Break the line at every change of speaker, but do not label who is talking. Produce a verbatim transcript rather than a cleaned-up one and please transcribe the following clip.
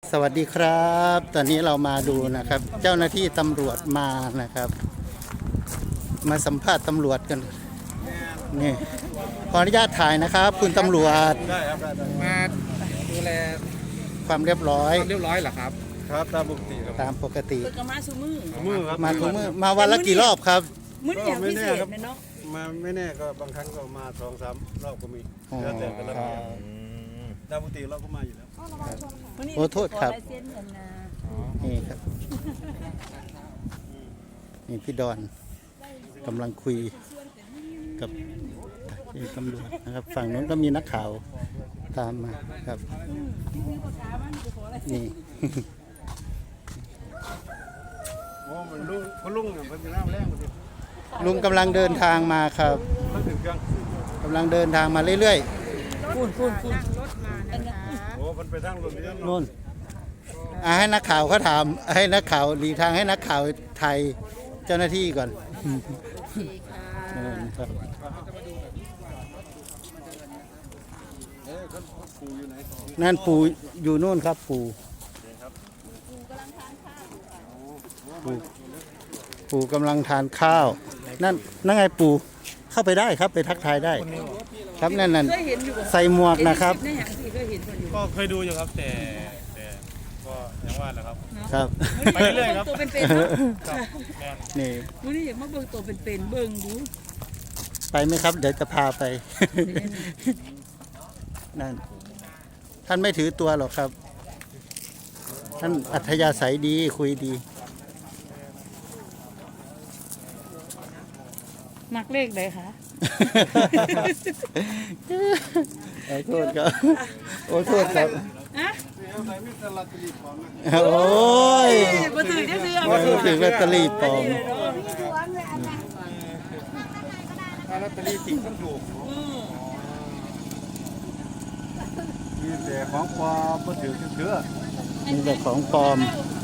สวัสดีครับ ตอนนี้เรามาดูนะครับ เจ้าหน้าที่ตำรวจมานะครับ มาสัมภาษณ์ตำรวจกันนี่ขออนุญาตถ่ายนะครับ คุณตำรวจ
ได้ครับได้ได้
มาดูแล
ความเรียบร้อย
ความเรียบร้อยเหรอครับ
ครับตามปกติครับ
ตามปกติ
เปิดกระมาซูมือ
มือครับ
มาทุกมือมาวันละกี่รอบครับ
มื้อนี้อย่างพิเศษนะเนาะ
มาไม่แน่ก็บางครั้งก็มาสองสามรอบก็มี
อ๋อ
แล้วแต่แต่ละปีตามปกติเราก็มาอยู่แล้ว
มื้นี้
โอ้โทษครับ
ขอลายเซ็นกันนะ
นี่ครับนี่พี่ดอนกำลังคุยกับที่ตำรวจนะครับ ฝั่งนู้นก็มีนักข่าวตามมาครับนี่
โอ้มันลุงเขาลุงเนี่ยมันเป็นน้ำแรงหมดเลย
ลุงกำลังเดินทางมาครับ
มันถึงเครื่อง
กำลังเดินทางมาเรื่อย
พูนพูนพูนอันนี้
โอ้มันไปทางรถเลี้ยว
ๆนู่นอ่ะให้นักข่าวเขาถามให้นักข่าวหลีกทางให้นักข่าวไทยเจ้าหน้าที่ก่อนเออครับ
เอ๊ะเขาปูอยู่ไหน
นั่นปู่อยู่นู่นครับปู่ปู่ปู่กำลังทานข้าวนั่นนั่นไงปู่เข้าไปได้ครับไปทักทายได้ ครับนั่นนั่น
เคยเห็นอยู่บ่
ใส่หมวกนะครับ
ในหางสิเคยเห็นคนอยู่
ก็เคยดูอยู่ครับแต่แต่ก็ยังว่าแหละครับ
ครับ
ไปเรื่อยๆครับ
ตัวเป็นๆเนาะ
ครับแม่น
นี่
มื้อนี้อยากมาเบิ่งตัวเป็นๆเบิ่งดู
ไปไหมครับ เดี๋ยวจะพาไป นั่นท่านไม่ถือตัวหรอกครับ ท่านอัธยาศัยดีคุยดี
มักเลขใดคะ
ขอโทษครับโอ้โทษครับ
ฮะ
เอาใส่มิตรลัตตรีของนะ
โอ้ย
บ่ถือได้ซื้อ
มาถึงลอตเตอรี่ปลอม
ถ้าลอตเตอรี่จริงต้องถูกมีแต่ของปลอมมาถือเชื่อ
มีแต่ของปลอม
เ